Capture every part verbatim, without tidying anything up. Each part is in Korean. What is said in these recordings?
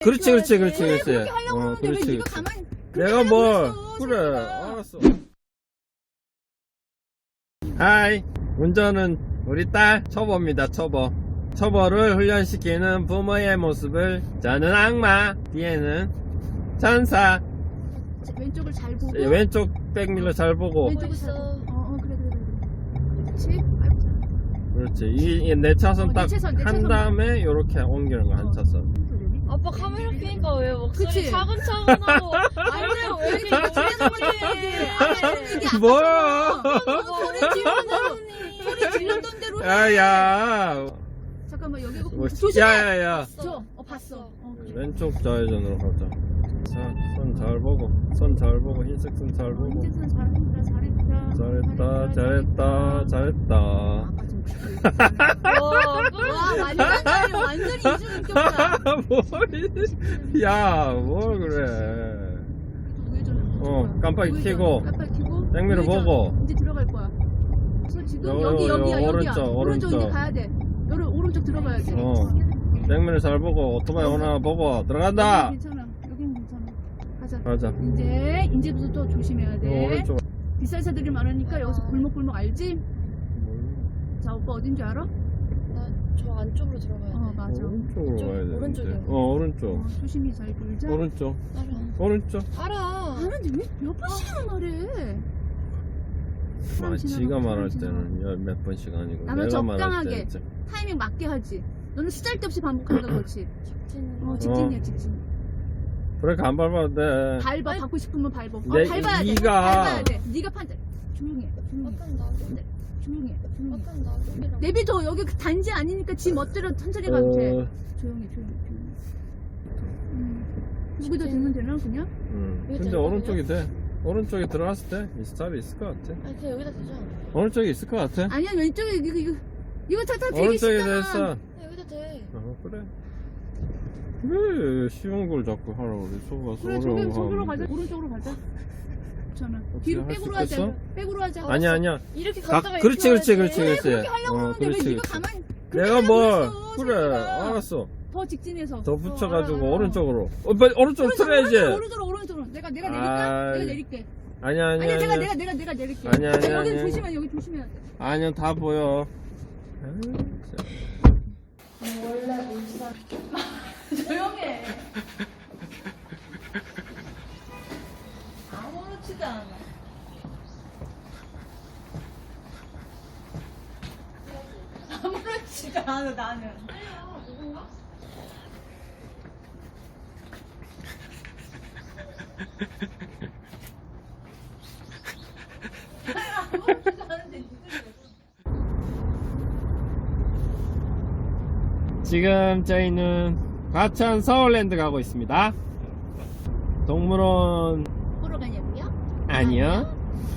그렇지 그렇지 그렇지 왜 그렇지. 그렇게 하려고 어 하는데 왜 그렇지 네가 그렇지. 가만히 내가 뭘 그래 그래. 알았어. 하이, 운전은 우리 딸 초보입니다. 초보. 초보를 훈련시키는 부모의 모습을 저는 악마, 뒤에는 천사. 왼쪽을 잘 보고 예, 왼쪽 백밀러 잘 보고. 왼쪽을 잘 보고. 어, 어 그래 그래 그래. 그렇지. 아이고 잘한다. 그렇지. 이 네 차선 어, 딱 네 차선, 네 한 차선만. 다음에 요렇게 옮기는 거 한 차선. 아빠 카메라 켜니까 왜 목소리 그치? 차근차근하고 완전 왜 이렇게 이게 뭐야? 소리 질렀던 소리 질렀던 대로 해. 야야. 잠깐만 여기 뭐, 조심해. 야야야. 저, 어 봤어. 어, 그래. 왼쪽 좌회전으로 가자. 자, 손 잘 보고, 손 잘 보고, 흰색 손 잘 보고. 인제선 잘했다, 잘했다. 잘했다, 잘했다, 잘했다. 아빠 좀 와, 완전 완전히 이중인격이다. 뭘? 야, 뭘 그래? 어, 깜빡이 켜고, 깜빡이 켜고. 백미러 우회전. 보고. 이제 들어갈 거야. 그래서 지금 요, 여기 요, 여기야, 여기야. 오른쪽, 오른쪽 이제 오른쪽. 가야 돼. 여기 오른쪽 들어가야 돼. 어, 백미러 잘 보고, 오토바이 오나 보고, 들어간다! 여긴 괜찮아. 여긴 괜찮아. 가자. 가자. 이제 이제부터 조심해야 요, 돼. 오른쪽. 비싼 차들이 많으니까 여기서 골목골목 알지? 자, 오빠 어딘지 알아? 나저 안쪽으로 들어가야 돼. 어, 맞아. 오른쪽으로 이쪽, 가야 되는데. 오른쪽이요. 어, 오른쪽. 어, 조심히 잘 돌자. 오른쪽. 알아. 오른쪽. 알아. 아는데 왜 몇 번씩이나 말해? 아, 지가 지나가, 말할 지나가. 때는 열 몇 번씩 아니고 나는 내가 말할 적당하게. 때는 진짜 타이밍 맞게 하지. 너는 쓰잘데없이 반복한다 그렇지? 직진. 어, 직진이야 직진. 브레이크 안 밟아도 돼. 밟아. 밟고 싶으면 밟아. 어, 내- 밟아야 돼. 네가- 밟아야 돼. 네가 판단. 조용히 해. 조용히 해. 약간 나도. 조용히 해. 조용히 해. 약간 나도. 내비도 여기 그 단지 아니니까 지 멋대로 천천히 가도 돼. 어, 조용히 조용히 조용히. 음. 여기도 되면 되나 그냥? 음. 여기 근데 되거든요? 오른쪽이 돼. 오른쪽에 들어갔을 때 이 스탑이 있을 것 같아. 아니 그냥 여기다 대자. 오른쪽에 있을 것 같아. 아니야 왼쪽에 이거 이거 이거 다 다 되게 오른쪽에 쉽잖아. 됐어. 그냥 여기다 대. 어, 그래. 왜 쉬운 걸 자꾸 하라고 그래. 저거 가서 그래 어려운 저기 거 저기로 하면 가자. 돼. 오른쪽으로 가자. 괜찮아. 어떻게 뒤로 할수 백으로 하자. 있겠어? 백으로 하자. 아니야 아니야. 이렇게 가, 갔다가 그렇지 그렇지 그렇지 왜 그렇지. 그렇게 하려고 어, 하는데 왜 그렇지 네가 그렇지. 가만히 그렇게 내가 하려고 뭘 했어, 그래 자기가. 알았어. 더 직진해서 더 붙여가지고 어, 알아, 알아. 오른쪽으로. 어, 빨리 오른쪽 틀어야지. 오른쪽으로 오른쪽으로 오른쪽으로 내가 내가 내릴까? 아이. 내가 내릴게. 아니야 아니야 아니야 내가 아니야. 내가 내가 내가 내릴게. 아니야, 아니야, 여기 아니야. 조심해 여기 조심해야 돼. 아니야 다 보여. 아유, 진짜. 원래 울산. 조용해. 아무렇지도 않아. 아무렇지가 않아 나는. 아니야 누군가? 아무렇지도 않은데 니들 지금 저희는 과천 서울랜드 가고 있습니다. 동물원 보러 가냐고요? 아니요.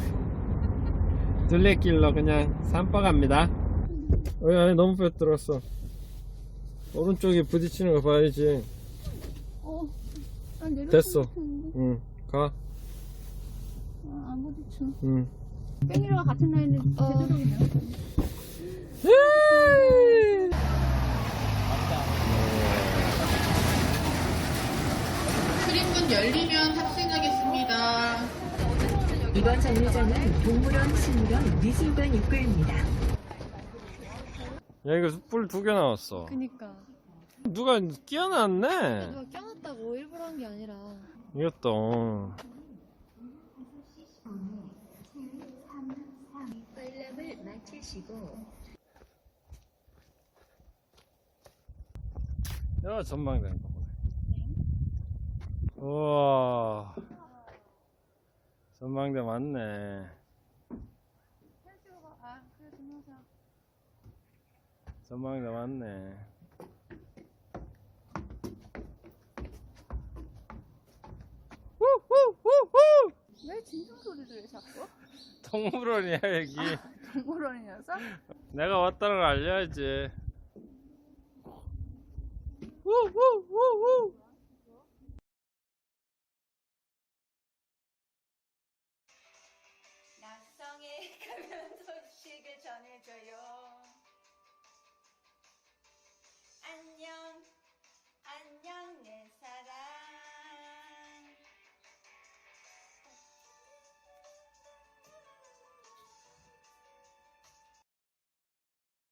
둘레길로 그냥 산바 갑니다. 어, 안에 너무 빼들었어. 오른쪽에 부딪히는 거 봐야지. 어, 난 내렸을 됐어. 것 같은데. 응, 가. 아, 안 부딪혀. 응. 뺑이랑 같은 라인에 어. 제대로 그냥. 출입문 열리면 탑승하겠습니다. 이번 정류장은 동물원, 식물원, 미술관 입구입니다. 야, 이거 뿔 두 개 나왔어. 그니까. 누가 끼워놨네? 누가 껴놨다고 일부러 한 게 아니라. 이것도. 관람을 마치시고 야, 전망대. 우와. 전망대 맞네. 전망대 맞네. 후후후후! 왜 진동 소리를 해 자꾸? 동물원이야, 여기. 동물원이어서? 내가 왔다는 걸 알려야지. 후후후후! 낙성에 가면 소식을 전해줘요. 안녕.